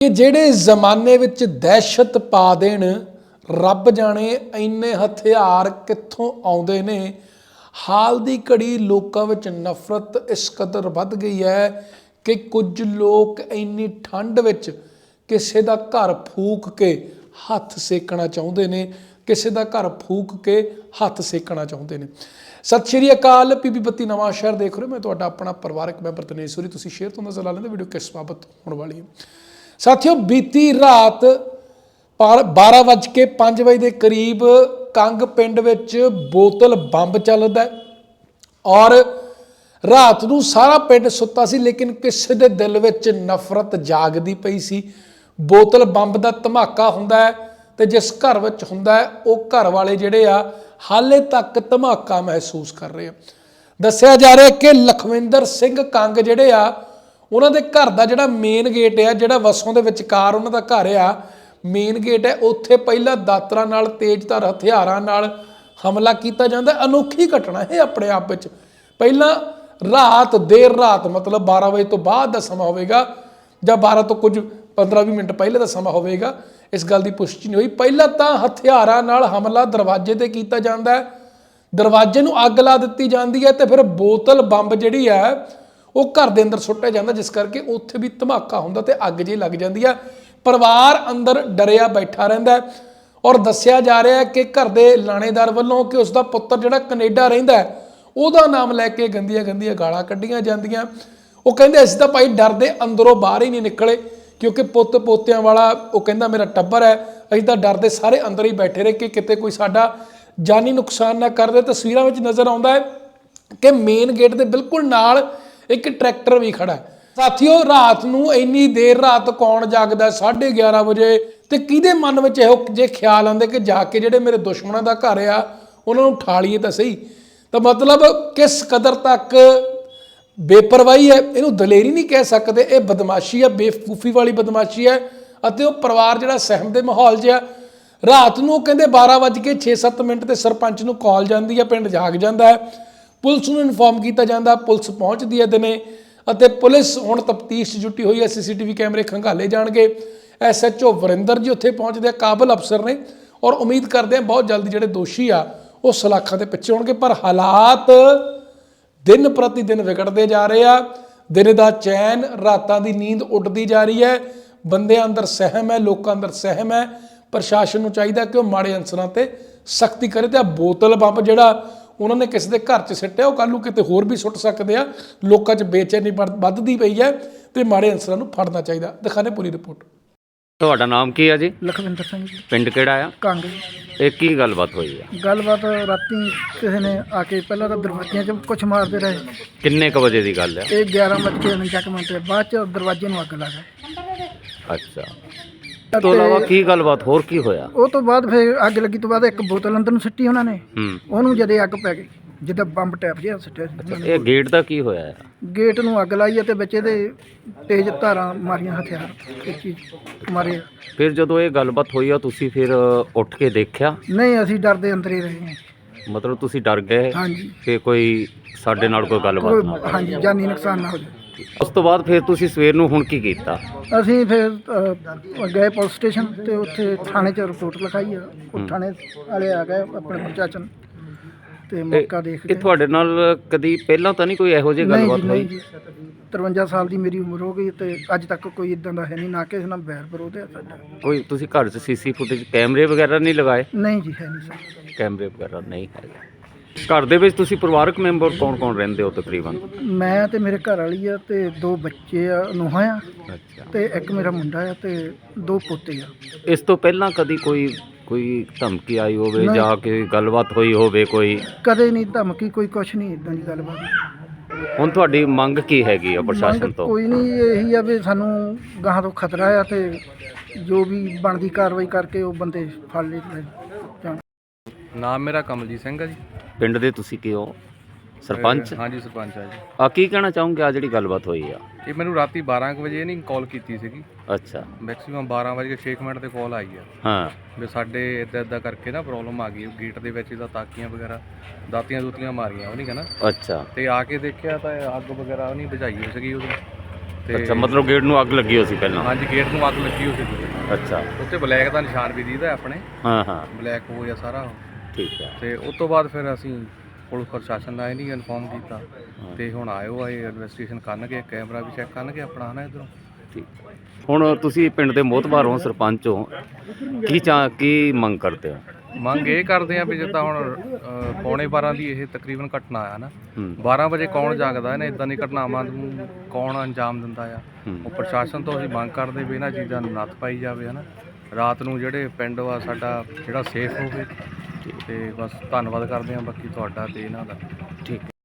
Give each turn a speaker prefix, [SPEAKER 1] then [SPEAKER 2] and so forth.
[SPEAKER 1] कि ਜਿਹੜੇ ਜ਼ਮਾਨੇ ਵਿੱਚ ਦਹਿਸ਼ਤ ਪਾ ਦੇਣ ਰੱਬ ਜਾਣੇ ਇੰਨੇ ਹਥਿਆਰ ਕਿੱਥੋਂ ਆਉਂਦੇ ਨੇ। ਹਾਲ ਦੀ ਘੜੀ ਲੋਕਾਂ ਵਿੱਚ ਨਫ਼ਰਤ ਇਸ ਕਦਰ ਵੱਧ ਗਈ ਹੈ ਕਿ ਕੁਝ ਲੋਕ ਇੰਨੀ ਠੰਡ ਵਿੱਚ ਕਿਸੇ ਦਾ ਘਰ ਫੂਕ ਕੇ ਹੱਥ ਸੇਕਣਾ ਚਾਹੁੰਦੇ ਨੇ, ਕਿਸੇ ਦਾ ਘਰ ਫੂਕ ਕੇ ਹੱਥ ਸੇਕਣਾ ਚਾਹੁੰਦੇ ਨੇ। ਸਤਿ ਸ਼੍ਰੀ ਅਕਾਲ, ਪੀਪੀ ਬੱਤੀ ਨਵਾਂ ਸ਼ਹਿਰ ਦੇਖ ਰਹੇ ਹੋ। ਮੈਂ ਤੁਹਾਡਾ ਆਪਣਾ ਪਰਿਵਾਰਕ ਮੈਂਬਰ ਤਨੇਸ਼ਵਰੀ। ਤੁਸੀਂ ਸ਼ੇਅਰ ਤੋਂ ਨਜ਼ਰ ਲਾ ਲੈਂਦੇ ਵੀਡੀਓ ਕਿਸ ਬਾਬਤ ਹੋਣ ਵਾਲੀ ਹੈ। ਸਾਥੀਓ, ਬੀਤੀ ਰਾਤ 12:05 ਦੇ ਕਰੀਬ ਕੰਗ ਪਿੰਡ ਵਿੱਚ ਬੋਤਲ ਬੰਬ ਚੱਲਦਾ ਔਰ ਰਾਤ ਨੂੰ ਸਾਰਾ ਪਿੰਡ ਸੁੱਤਾ ਸੀ, ਲੇਕਿਨ ਕਿਸੇ ਦੇ ਦਿਲ ਵਿੱਚ ਨਫ਼ਰਤ ਜਾਗਦੀ ਪਈ ਸੀ। ਬੋਤਲ ਬੰਬ ਦਾ ਧਮਾਕਾ ਹੁੰਦਾ ਹੈ ਤੇ ਜਿਸ ਘਰ ਵਿੱਚ ਹੁੰਦਾ ਹੈ ਉਹ ਘਰ ਵਾਲੇ ਜਿਹੜੇ ਆ ਹਾਲੇ ਤੱਕ ਧਮਾਕਾ ਮਹਿਸੂਸ ਕਰ ਰਹੇ ਆ। ਦੱਸਿਆ ਜਾ ਰਿਹਾ ਕਿ ਲਖਵਿੰਦਰ ਸਿੰਘ ਕੰਗ ਜਿਹੜੇ ਆ, ਉਹਨਾਂ ਦੇ ਘਰ ਦਾ ਜਿਹੜਾ ਮੇਨ ਗੇਟ ਆ, ਜਿਹੜਾ ਵਸੋਂ ਦੇ ਵਿਚਕਾਰ ਉਹਨਾਂ ਦਾ ਘਰ ਆ, ਮੇਨ ਗੇਟ ਹੈ, ਉੱਥੇ ਪਹਿਲਾਂ ਦਾਤਰਾਂ ਨਾਲ, ਤੇਜ਼ਧਾਰ ਹਥਿਆਰਾਂ ਨਾਲ ਹਮਲਾ ਕੀਤਾ ਜਾਂਦਾ। ਅਨੋਖੀ ਘਟਨਾ ਇਹ ਆਪਣੇ ਆਪ ਵਿੱਚ। ਪਹਿਲਾਂ ਦੇਰ ਰਾਤ ਮਤਲਬ 12 ਵਜੇ ਤੋਂ ਬਾਅਦ ਦਾ ਸਮਾਂ ਹੋਵੇਗਾ ਜਾਂ 12 ਤੋਂ ਕੁਝ 15-20 ਮਿੰਟ ਪਹਿਲੇ ਦਾ ਸਮਾਂ ਹੋਵੇਗਾ, ਇਸ ਗੱਲ ਦੀ ਪੁਸ਼ਟੀ ਨਹੀਂ ਹੋਈ। ਪਹਿਲਾਂ ਤਾਂ ਹਥਿਆਰਾਂ ਨਾਲ ਹਮਲਾ ਦਰਵਾਜ਼ੇ ਤੇ ਕੀਤਾ ਜਾਂਦਾ ਹੈ, ਦਰਵਾਜ਼ੇ ਨੂੰ ਅੱਗ ਲਾ ਦਿੱਤੀ ਜਾਂਦੀ ਹੈ ਤੇ ਫਿਰ ਬੋਤਲ ਬੰਬ ਜਿਹੜੀ ਹੈ ਉਹ ਘਰ ਦੇ ਅੰਦਰ ਸੁੱਟਿਆ ਜਾਂਦਾ, ਜਿਸ ਕਰਕੇ ਉੱਥੇ ਵੀ ਧਮਾਕਾ ਹੁੰਦਾ ਤੇ ਅੱਗ ਜਿਹੀ ਲੱਗ ਜਾਂਦੀ ਆ। ਪਰਿਵਾਰ ਅੰਦਰ ਡਰਿਆ ਬੈਠਾ ਰਹਿੰਦਾ ਔਰ ਦੱਸਿਆ ਜਾ ਰਿਹਾ ਹੈ ਕਿ ਘਰ ਦੇ ਲਾਣੇਦਾਰ ਵੱਲੋਂ ਕਿ ਉਸਦਾ ਪੁੱਤਰ ਜਿਹੜਾ ਕੈਨੇਡਾ ਰਹਿੰਦਾ ਉਹਦਾ ਨਾਮ ਲੈ ਕੇ ਗੰਦੀਆਂ ਗੰਦੀਆਂ ਗਾਲਾਂ ਕੱਢੀਆਂ ਜਾਂਦੀਆਂ। ਉਹ ਕਹਿੰਦੇ ਅਸੀਂ ਤਾਂ ਭਾਈ ਡਰਦੇ ਅੰਦਰੋਂ ਬਾਹਰ ਹੀ ਨਹੀਂ ਨਿਕਲੇ, ਕਿਉਂਕਿ ਪੁੱਤ ਪੋਤਿਆਂ ਵਾਲਾ ਉਹ ਕਹਿੰਦਾ ਮੇਰਾ ਟੱਬਰ ਹੈ, ਅਸੀਂ ਤਾਂ ਡਰਦੇ ਸਾਰੇ ਅੰਦਰ ਹੀ ਬੈਠੇ ਰਹੇ ਕਿ ਕਿਤੇ ਕੋਈ ਸਾਡਾ ਜਾਨੀ ਨੁਕਸਾਨ ਨਾ ਕਰ ਦੇ। ਤਸਵੀਰਾਂ ਵਿੱਚ ਨਜ਼ਰ ਆਉਂਦਾ ਹੈ ਕਿ ਮੇਨ ਗੇਟ ਦੇ ਬਿਲਕੁਲ ਨਾਲ ਇੱਕ ਟਰੈਕਟਰ ਵੀ ਖੜਾ ਹੈ। ਸਾਥੀਓ, ਰਾਤ ਨੂੰ ਇੰਨੀ ਦੇਰ ਰਾਤ ਕੌਣ ਜਾਗਦਾ 11:30 ਵਜੇ, ਤੇ ਕਿਹਦੇ ਮਨ ਵਿੱਚ ਇਹੋ ਜੇ ਖਿਆਲ ਆਉਂਦੇ ਕਿ ਜਾ ਕੇ ਜਿਹੜੇ ਮੇਰੇ ਦੁਸ਼ਮਣਾਂ ਦਾ ਘਰ ਆ ਉਹਨਾਂ ਨੂੰ ਠਾ ਲਈਏ ਤਾਂ ਸਹੀ। ਤਾਂ ਮਤਲਬ ਕਿਸ ਕਦਰ ਤੱਕ ਬੇਪਰਵਾਹੀ ਹੈ, ਇਹਨੂੰ ਦਲੇਰੀ ਨਹੀਂ ਕਹਿ ਸਕਦੇ, ਇਹ ਬਦਮਾਸ਼ੀ ਹੈ, ਬੇਵਕੂਫੀ ਵਾਲੀ ਬਦਮਾਸ਼ੀ ਹੈ। ਅਤੇ ਉਹ ਪਰਿਵਾਰ ਜਿਹੜਾ ਸਹਿਮ ਦੇ ਮਾਹੌਲ 'ਚ ਆ। ਰਾਤ ਨੂੰ ਉਹ ਕਹਿੰਦੇ 12:06 ਤੇ ਸਰਪੰਚ ਨੂੰ ਕਾਲ ਜਾਂਦੀ ਹੈ, ਪਿੰਡ ਜਾਗ ਜਾਂਦਾ ਹੈ, ਪੁਲਿਸ ਨੂੰ ਇਨਫੋਰਮ ਕੀਤਾ ਜਾਂਦਾ, ਪੁਲਿਸ ਪਹੁੰਚਦੀ ਹੈ ਦਿਨੇ ਅਤੇ ਪੁਲਿਸ ਹੁਣ ਤਫਤੀਸ਼ 'ਚ ਜੁਟੀ ਹੋਈ ਹੈ। CCTV ਕੈਮਰੇ ਖੰਗਾਲੇ ਜਾਣਗੇ। SHO ਵਰਿੰਦਰ ਜੀ ਉੱਥੇ ਪਹੁੰਚਦੇ ਆ, ਕਾਬਲ ਅਫਸਰ ਨੇ, ਔਰ ਉਮੀਦ ਕਰਦੇ ਆ ਬਹੁਤ ਜਲਦੀ ਜਿਹੜੇ ਦੋਸ਼ੀ ਆ ਉਹ ਸਲਾਖਾਂ ਦੇ ਪਿੱਛੇ ਹੋਣਗੇ। ਪਰ ਹਾਲਾਤ ਦਿਨ ਪ੍ਰਤੀ ਦਿਨ ਵਿਗੜਦੇ ਜਾ ਰਹੇ ਆ। ਦਿਨ ਦਾ ਚੈਨ, ਰਾਤਾਂ ਦੀ ਨੀਂਦ ਉੱਡਦੀ ਜਾ ਰਹੀ ਹੈ। ਬੰਦਿਆਂ ਅੰਦਰ ਸਹਿਮ ਹੈ, ਲੋਕਾਂ ਅੰਦਰ ਸਹਿਮ ਹੈ। ਪ੍ਰਸ਼ਾਸਨ ਨੂੰ ਚਾਹੀਦਾ ਕਿ ਉਹ ਮਾੜੇ ਅਨਸਰਾਂ ਤੇ ਸਖਤੀ ਕਰੇ ਤੇ ਆ ਬੋਤਲ ਬੰਬ ਜਿਹੜਾ ਉਹਨਾਂ ਨੇ ਕਿਸੇ ਦੇ ਘਰ 'ਚ ਸਿੱਟਿਆ ਉਹ ਕੱਲ੍ਹ ਨੂੰ ਕਿਤੇ ਹੋਰ ਵੀ ਸੁੱਟ ਸਕਦੇ ਆ। ਲੋਕਾਂ 'ਚ ਬੇਚੈਨੀ ਵੱਧਦੀ ਪਈ ਹੈ ਤੇ ਮਾੜੇ ਅਨਸਰਾਂ ਨੂੰ ਫੜਨਾ ਚਾਹੀਦਾ। ਦਿਖਾਣੇ ਪੂਰੀ ਰਿਪੋਰਟ।
[SPEAKER 2] ਤੁਹਾਡਾ ਨਾਮ ਕੀ ਹੈ ਜੀ?
[SPEAKER 3] ਲਖਵਿੰਦਰ ਸਿੰਘ ਜੀ।
[SPEAKER 2] ਪਿੰਡ ਕਿਹੜਾ ਆ?
[SPEAKER 3] ਕੰਗ।
[SPEAKER 2] ਇਹ ਕੀ ਗੱਲਬਾਤ ਹੋਈ ਆ?
[SPEAKER 3] ਗੱਲਬਾਤ ਰਾਤੀ ਕਿਸੇ ਨੇ ਆ ਕੇ ਪਹਿਲਾਂ ਤਾਂ ਦਰਵਾਜ਼ਿਆਂ 'ਚ ਕੁਛ ਮਾਰਦੇ ਰਹੇ।
[SPEAKER 2] ਕਿੰਨੇ ਕ ਵਜੇ ਦੀ ਗੱਲ ਹੈ?
[SPEAKER 3] ਇਹ 11:49 ਬਾਅਦ 'ਚ ਦਰਵਾਜ਼ੇ ਨੂੰ ਅੱਗ ਲੱਗ ਗਈ।
[SPEAKER 2] ਅੱਛਾ, ਇਸ ਤੋਂ ਇਲਾਵਾ ਕੀ ਗੱਲਬਾਤ ਹੋਰ ਕੀ ਹੋਇਆ?
[SPEAKER 3] ਉਹ ਤੋਂ ਬਾਅਦ ਫਿਰ ਅੱਗ ਲੱਗੀ ਤੋਂ ਬਾਅਦ ਇੱਕ ਬੋਤਲ ਅੰਦਰ ਨੂੰ ਸਿੱਟੀ ਉਹਨਾਂ ਨੇ, ਉਹਨੂੰ ਜਦੇ ਅੱਗ ਪੈ ਗਈ, ਜਿੱਦਾਂ ਬੰਬ ਟੈਪ ਜਿਹਾ ਸਿੱਟਿਆ ਸੀ।
[SPEAKER 2] ਇਹ ਗੇਟ ਦਾ ਕੀ ਹੋਇਆ ਹੈ?
[SPEAKER 3] ਗੇਟ ਨੂੰ ਅੱਗ ਲਾਈ ਅਤੇ ਵਿੱਚ ਇਹਦੇ ਤੇਜ਼ ਧਾਰਾਂ ਮਾਰੀਆਂ, ਹਥਿਆਰ ਇਹ ਚੀਜ਼ ਮਾਰੇ।
[SPEAKER 2] ਫਿਰ ਜਦੋਂ ਇਹ ਗੱਲਬਾਤ ਹੋਈ ਆ ਤੁਸੀਂ ਫਿਰ ਉੱਠ ਕੇ ਦੇਖਿਆ?
[SPEAKER 3] ਨਹੀਂ, ਅਸੀਂ ਡਰਦੇ ਅੰਦਰ ਹੀ ਰਹੇ ਹਾਂ।
[SPEAKER 2] ਮਤਲਬ ਤੁਸੀਂ ਡਰ ਗਏ
[SPEAKER 3] ਹਾਂਜੀ,
[SPEAKER 2] ਕਿ ਕੋਈ ਸਾਡੇ ਨਾਲ ਕੋਈ ਗੱਲਬਾਤ ਨਾ ਹੋਵੇ।
[SPEAKER 3] ਹਾਂਜੀ, ਜਾਨੀ ਨੁਕਸਾਨ ਨਾ ਹੋ ਜਾਵੇ।
[SPEAKER 2] ਉਸ ਤੋਂ ਬਾਅਦ ਫਿਰ ਤੁਸੀਂ ਸਵੇਰ ਨੂੰ ਹੁਣ ਕੀ ਕੀਤਾ?
[SPEAKER 3] ਅਸੀਂ ਫਿਰ ਗਏ ਪੁਲਿਸ ਸਟੇਸ਼ਨ ਤੇ ਉੱਥੇ ਥਾਣੇ 'ਚ ਰਿਪੋਰਟ ਲਿਖਾਈ ਆ। ਉਹ ਥਾਣੇ ਵਾਲੇ ਆ ਗਏ ਆਪਣੇ ਪ੍ਰਸ਼ਾਸਨ ਤੇ ਮੌਕਾ ਦੇਖ ਕੇ।
[SPEAKER 2] ਇਹ ਤੁਹਾਡੇ ਨਾਲ ਕਦੀ ਪਹਿਲਾਂ ਤਾਂ ਨਹੀਂ ਕੋਈ ਇਹੋ ਜਿਹੀ ਗੱਲਬਾਤ ਹੋਈ?
[SPEAKER 3] 53 ਸਾਲ ਦੀ ਮੇਰੀ ਉਮਰ ਹੋ ਗਈ ਤੇ ਅੱਜ ਤੱਕ ਕੋਈ ਇਦਾਂ ਦਾ ਹੈ ਨਹੀਂ, ਨਾ ਕਿਸੇ ਨਾਲ ਬੈਰ ਵਿਰੋਧ ਹੈ ਸਾਡਾ।
[SPEAKER 2] ਕੋਈ ਤੁਸੀਂ ਘਰ 'ਚ CC ਫੁਟੇਜ ਕੈਮਰੇ ਵਗੈਰਾ ਨਹੀਂ ਲਗਾਏ?
[SPEAKER 3] ਨਹੀਂ ਜੀ, ਹੈ ਨਹੀਂ ਸਰ,
[SPEAKER 2] ਕੈਮਰੇ ਵਗੈਰਾ ਨਹੀਂ ਹੈਗੇ। ਘਰ ਦੇ ਵਿੱਚ ਤੁਸੀਂ ਪਰਿਵਾਰਕ ਮੈਂਬਰ ਕੌਣ ਰਹਿੰਦੇ ਹੋ ਤਕਰੀਬਨ?
[SPEAKER 3] ਮੈਂ ਤੇ ਮੇਰੇ ਘਰ ਵਾਲੀ ਆ ਤੇ 2 ਬੱਚੇ ਆ, ਨੂੰਹਾਂ ਆ,
[SPEAKER 2] ਅੱਛਾ,
[SPEAKER 3] ਤੇ ਇੱਕ ਮੇਰਾ ਮੁੰਡਾ ਆ ਤੇ 2 ਪੋਤੇ ਆ।
[SPEAKER 2] ਇਸ ਤੋਂ ਪਹਿਲਾਂ ਕਦੀ ਕੋਈ ਧਮਕੀ ਆਈ ਹੋਵੇ ਜਾਂ ਕਿ ਗੱਲਬਾਤ ਹੋਈ ਹੋਵੇ ਕੋਈ?
[SPEAKER 3] ਕਦੇ ਨਹੀਂ ਧਮਕੀ, ਕੋਈ ਕੁਛ ਨਹੀਂ, ਇਦਾਂ ਦੀ ਗੱਲਬਾਤ।
[SPEAKER 2] ਹੁਣ ਤੁਹਾਡੀ ਮੰਗ ਕੀ ਹੈਗੀ ਆ ਪ੍ਰਸ਼ਾਸਨ ਤੋਂ?
[SPEAKER 3] ਕੋਈ ਨਹੀਂ, ਇਹੀ ਆ ਵੀ ਸਾਨੂੰ ਗਾਹਾਂ ਤੋਂ ਖਤਰਾ ਆ ਤੇ ਜੋ ਵੀ ਬਣਦੀ ਕਾਰਵਾਈ ਕਰਕੇ ਉਹ ਬੰਦੇ ਫੜ ਲਏ ਜਾਣ।
[SPEAKER 4] ਨਾਮ ਮੇਰਾ ਕਮਲਜੀਤ ਸਿੰਘ ਆ ਜੀ।
[SPEAKER 2] ਪਿੰਡ ਦੇ ਤੁਸੀਂ ਕੀ ਹੋ? ਸਰਪੰਚ?
[SPEAKER 4] ਹਾਂਜੀ, ਸਰਪੰਚ ਆ ਜੀ।
[SPEAKER 2] ਆ ਕੀ ਕਹਿਣਾ ਚਾਹੋਗੇ ਆ ਜਿਹੜੀ ਗੱਲਬਾਤ ਹੋਈ ਆ?
[SPEAKER 4] ਇਹ ਮੈਨੂੰ ਰਾਤੀ 12 ਵਜੇ ਨਹੀਂ ਕਾਲ ਕੀਤੀ ਸੀਗੀ।
[SPEAKER 2] ਅੱਛਾ,
[SPEAKER 4] ਮੈਕਸਿਮਮ 12:06 ਤੇ ਕਾਲ ਆਈ ਆ।
[SPEAKER 2] ਹਾਂ,
[SPEAKER 4] ਵੀ ਸਾਡੇ ਇੱਦਾਂ ਕਰਕੇ ਨਾ ਪ੍ਰੋਬਲਮ ਆ ਗਈ, ਗੇਟ ਦੇ ਵਿੱਚ ਇਹਦਾ ਤਾਕੀਆਂ ਵਗੈਰਾ ਦਾਤੀਆਂ ਮਾਰੀਆਂ ਉਹ ਨਹੀਂ ਕਹਿੰਦਾ।
[SPEAKER 2] ਅੱਛਾ,
[SPEAKER 4] ਤੇ ਆ ਕੇ ਦੇਖਿਆ ਤਾਂ ਅੱਗ ਵਗੈਰਾ ਉਹ ਨਹੀਂ ਬੁਝਾਈ ਹੋਈ ਸੀਗੀ ਉਹਦੀ।
[SPEAKER 2] ਅੱਛਾ, ਮਤਲਬ ਗੇਟ ਨੂੰ ਅੱਗ ਲੱਗੀ ਹੋਈ ਸੀ ਪਹਿਲਾਂ।
[SPEAKER 4] ਹਾਂਜੀ, ਗੇਟ ਨੂੰ ਅੱਗ ਲੱਗੀ ਹੋਈ ਸੀ।
[SPEAKER 2] ਅੱਛਾ,
[SPEAKER 4] ਉੱਤੇ ਬਲੈਕ ਦਾ ਨਿਸ਼ਾਨ ਵੀ ਦੀਦਾ ਆਪਣੇ,
[SPEAKER 2] ਹਾਂ ਹਾਂ,
[SPEAKER 4] ਬਲੈਕ ਹੋ ਗਿਆ ਸਾਰਾ।
[SPEAKER 2] ਠੀਕ ਹੈ।
[SPEAKER 4] ਤੇ ਉਸ ਤੋਂ ਬਾਅਦ ਫਿਰ ਅਸੀਂ ਪੁਲਿਸ ਪ੍ਰਸ਼ਾਸਨ ਦਾ ਨਹੀਂ ਇਨਫੋਰਮ ਕੀਤਾ ਤੇ ਹੁਣ ਆਏ ਇਨਵੈਸਟੀਗੇਸ਼ਨ ਕਰਨਗੇ, ਕੈਮਰਾ ਵੀ ਚੈੱਕ ਕਰਨਗੇ ਆਪਣਾ ਹੈ ਨਾ ਇੱਧਰੋਂ।
[SPEAKER 2] ਠੀਕ। ਹੁਣ ਤੁਸੀਂ ਪਿੰਡ ਦੇ ਮੋਹਤਬਾਰ ਹੋ, ਸਰਪੰਚ ਹੋ, ਕੀ ਮੰਗ ਕਰਦੇ ਹੋ?
[SPEAKER 4] ਮੰਗ ਇਹ ਕਰਦੇ ਆ ਵੀ ਜਿੱਦਾਂ ਹੁਣ ਪੌਣੇ 12 ਦੀ ਇਹ ਤਕਰੀਬਨ ਘਟਨਾ ਆ ਨਾ, 12 ਵਜੇ ਕੌਣ ਜਾਗਦਾ ਨੇ, ਇਦਾਂ ਦੀ ਘਟਨਾਵਾਂ ਨੂੰ ਕੌਣ ਅੰਜਾਮ ਦਿੰਦਾ ਆ। ਉਹ ਪ੍ਰਸ਼ਾਸਨ ਤੋਂ ਅਸੀਂ ਮੰਗ ਕਰਦੇ ਵੀ ਇਹਨਾਂ ਚੀਜ਼ਾਂ ਨੂੰ ਨੱਥ ਪਾਈ ਜਾਵੇ ਹੈ ਨਾ। ਰਾਤ ਨੂੰ ਜਿਹੜੇ ਪਿੰਡ ਵਾ ਸਾਡਾ ਜਿਹੜਾ ਸੇਫ ਹੋਵੇ। ਤੇ ਬਸ ਧੰਨਵਾਦ ਕਰਦੇ ਹਾਂ ਬਾਕੀ ਤੁਹਾਡਾ ਤੇ ਇਹਨਾਂ ਦਾ।
[SPEAKER 2] ਠੀਕ।